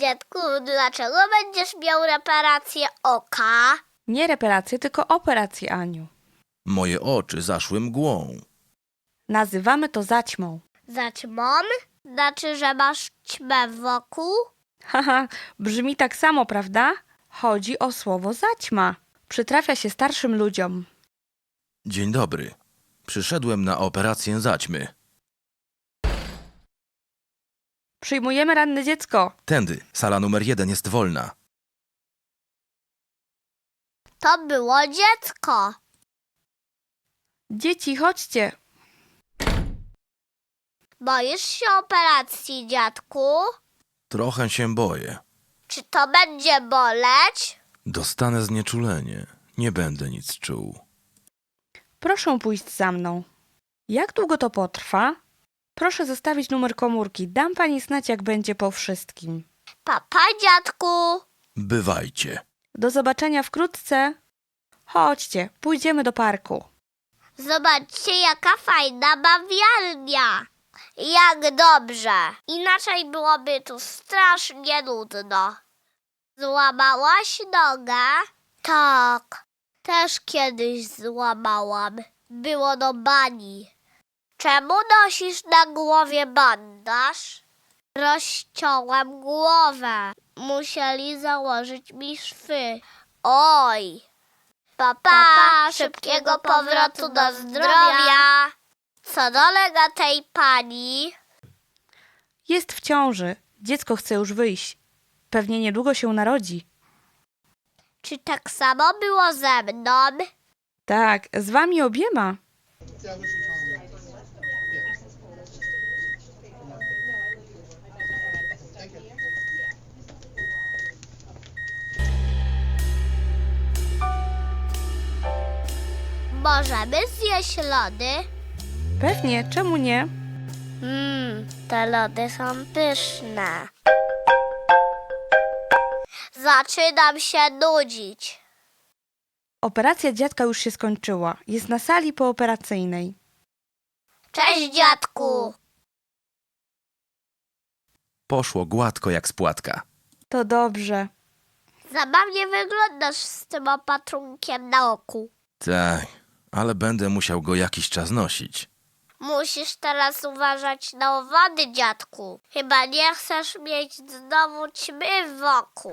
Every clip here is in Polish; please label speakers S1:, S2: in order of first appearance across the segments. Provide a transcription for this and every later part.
S1: dziadku, dlaczego będziesz miał reparację oka?
S2: Nie reparację, tylko operację, Aniu.
S3: Moje oczy zaszły mgłą.
S2: Nazywamy to zaćmą.
S1: Zaćmą? Znaczy, że masz ćmę wokół?
S2: Haha, brzmi tak samo, prawda? Chodzi o słowo zaćma. Przytrafia się starszym ludziom.
S3: Dzień dobry. Przyszedłem na operację zaćmy.
S2: Przyjmujemy ranne dziecko.
S3: Tędy, sala numer 1 jest wolna.
S1: To było dziecko.
S2: Dzieci, chodźcie.
S1: Boisz się operacji, dziadku?
S3: Trochę się boję.
S1: Czy to będzie boleć?
S3: Dostanę znieczulenie. Nie będę nic czuł.
S2: Proszę pójść za mną. Jak długo to potrwa? Proszę zostawić numer komórki. Dam pani znać, jak będzie po wszystkim.
S1: Papa, dziadku.
S3: Bywajcie.
S2: Do zobaczenia wkrótce. Chodźcie, pójdziemy do parku.
S1: Zobaczcie, jaka fajna bawialnia. Jak dobrze. Inaczej byłoby tu strasznie nudno. Złamałaś nogę? Tak. Też kiedyś złamałam. Było do bani. Czemu nosisz na głowie bandaż? Rozciąłem głowę. Musieli założyć mi szwy. Oj. Papa, szybkiego powrotu do zdrowia. Co dolega tej pani?
S2: Jest w ciąży. Dziecko chce już wyjść. Pewnie niedługo się narodzi.
S1: Czy tak samo było ze mną?
S2: Tak, z wami obiema.
S1: Możemy zjeść lody?
S2: Pewnie, czemu nie?
S1: Te lody są pyszne. Zaczynam się nudzić.
S2: Operacja dziadka już się skończyła. Jest na sali pooperacyjnej.
S1: Cześć, dziadku.
S3: Poszło gładko jak z płatka.
S2: To dobrze.
S1: Zabawnie wyglądasz z tym opatrunkiem na oku.
S3: Tak, ale będę musiał go jakiś czas nosić.
S1: Musisz teraz uważać na owady, dziadku. Chyba nie chcesz mieć znowu ćmy wokół.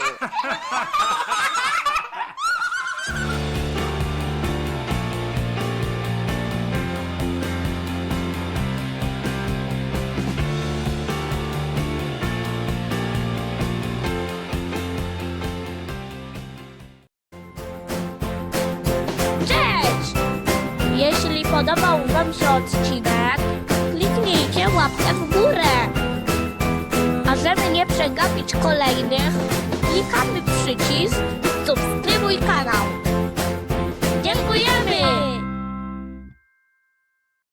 S1: Cześć! Jeśli podobał Wam się odcinek, kliknijcie łapkę w górę. A żeby nie przegapić kolejnych, klikamy